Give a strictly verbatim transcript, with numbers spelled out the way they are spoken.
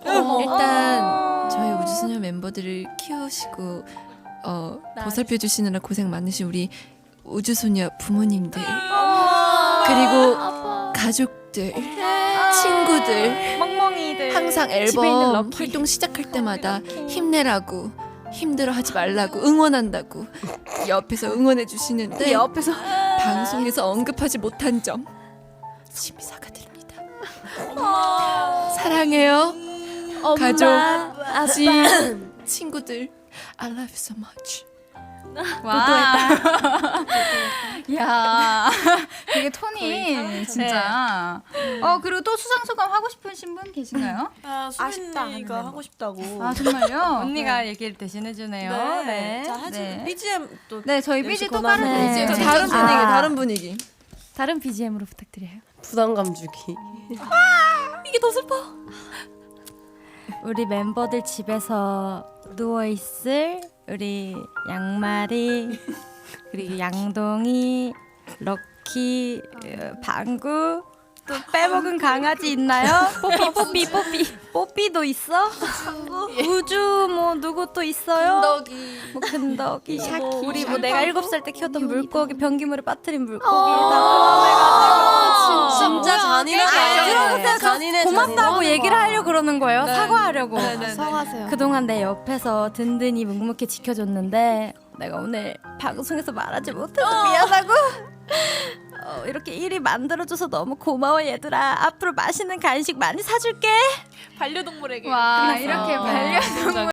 어. 일단 저희 우주소녀 멤버들을 키우시고 어, 보살펴 주시느라 고생 많으신 우리 우주소녀 부모님들 그리고 가족들 친구들 멍멍이들 항상 집에 있는 앨범 럭키. 활동 시작할 때마다 힘내라고 힘들어하지 말라고 응원한다고 옆에서 응원해 주시는데 옆에서 방송에서 언급하지 못한 점 심히 사과드립니다. 사랑해요. 가족, 지 친구들 I love you so much. 와. 야, 되게 톤이 진짜. 어 그리고 또 수상 소감 하고 싶으신 분 계신가요? 아, 수빈이가 하고 싶다고. 아 정말요? 언니가 얘기를 대신해 주네요. 네. 자, 하지. 네. 비지엠 또. 네, 저희 비지 또 권하는 깔아드릴게요. 네. 저 다른 분위기, 아. 다른 분위기. 다른 비지엠으로 부탁드려요. 부담감 주기. 우리 멤버들 집에서 누워있을 우리 양말이 그리고 양동이 럭키 어, 방구 또 빼먹은 강아지 있나요? 뽀삐 뽀삐 뽀삐 뽀삐도 있어? 우주 뭐 누구 또 있어요? 덕이 뭐 근덕이 샤키, 뭐 우리 뭐 샤키. 내가 일곱 살 때 키웠던 물고기 변기물에 빠뜨린 물고기 아, 다 진짜 잔인하게. 들어보세요. 잔인해. 고맙다고 얘기를 하려고 그러는 거예요. 사과하려고. 사과하세요. 그동안 내 옆에서 든든히 묵묵히 지켜줬는데 내가 오늘 방송에서 말하지 못해서 미안하고 어, 이렇게 일이 만들어줘서 너무 고마워 얘들아. 앞으로 맛있는 간식 많이 사줄게. 와, 이렇게 어. 반려동물